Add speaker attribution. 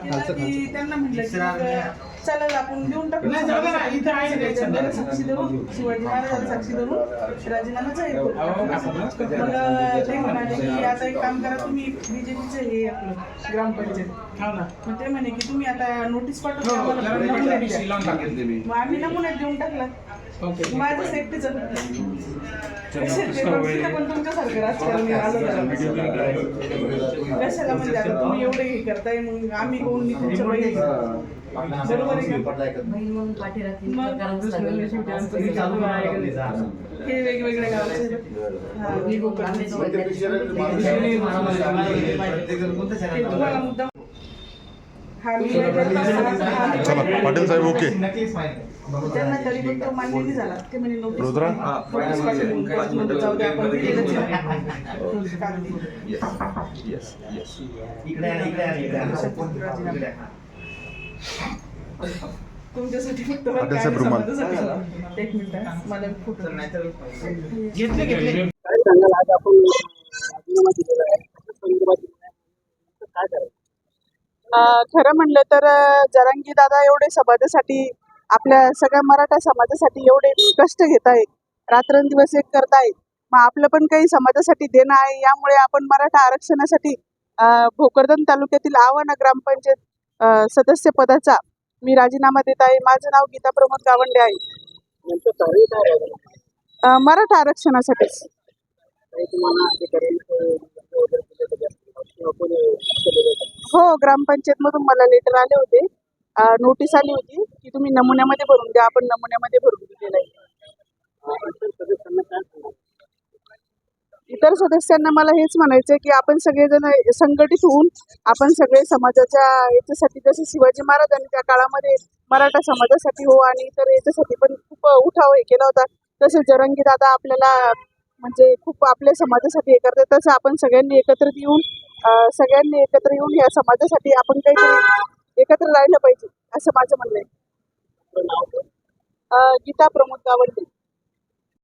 Speaker 1: दिला की त्यांना म्हटलं की चालेल आपण देऊन टाकू साक्षी धरून शिवाजी महाराजांना साक्षी धरून राजीनामा जाहीर करू. मग ते म्हणाले की आता एक काम करा तुम्ही बीजेपीचं हे आपलं ग्रामपंचायत मग ते म्हणे की तुम्ही आता नोटीस पाठवून आम्हाला नमुन्यात द्या. मग आम्ही नमुन्यात देऊन टाकला. माझं सेफ्टीचं पण तुमच्यासारखं राजकारण कशाला म्हणजे आता तुम्ही एवढे हे करताय मग आम्ही कोण मी तुमच्या बहिणी बरोबर आहे का? हे वेगवेगळ्या गावचे तुम्हाला मुद्दा
Speaker 2: चला पाटील साहेब ओके
Speaker 1: त्यांना तरी पण तो मान्य नाही झाला. ते म्हणे जाऊ द्या आपण तुमच्यासाठी फक्त एक मिनिट मला फोटो घेतले खरं म्हणलं तर जरांगी दादा एवढे समाजासाठी आपल्या सगळ्या मराठा समाजासाठी एवढे कष्ट घेत आहेत, रात्रंदिवस एक करतायत. मग आपलं पण काही समाजासाठी देणं आहे. यामुळे आपण मराठा आरक्षणासाठी भोकरदन तालुक्यातील आव्हाना ग्रामपंचायत सदस्य पदाचा मी राजीनामा देत आहे. माझं नाव गीता प्रमोद गावंडे आहे. मराठा आरक्षणासाठीच. हो, ग्रामपंचायत मधून मला लेटर आले होते, नोटीस आली होती की तुम्ही नमुन्यामध्ये भरून द्या. आपण नमुन्यामध्ये भरून दिलेलं आहे. इतर सदस्यांना मला हेच म्हणायचं आहे की आपण सगळेजण संघटित होऊन आपण सगळे समाजाच्या याच्यासाठी, जसे शिवाजी महाराजांनी त्या काळामध्ये मराठा समाजासाठी आणि इतर याच्यासाठी पण खूप उठाव हे केला होता, तसे जरांगी दादा आपल्याला म्हणजे खूप आपल्या समाजासाठी हे करतात. तसं आपण सगळ्यांनी एकत्रित येऊन या समाजासाठी आपण काहीतरी एकत्र राहिलं पाहिजे असं माझं म्हणणं आहे. गीता प्रमोद गावंडे.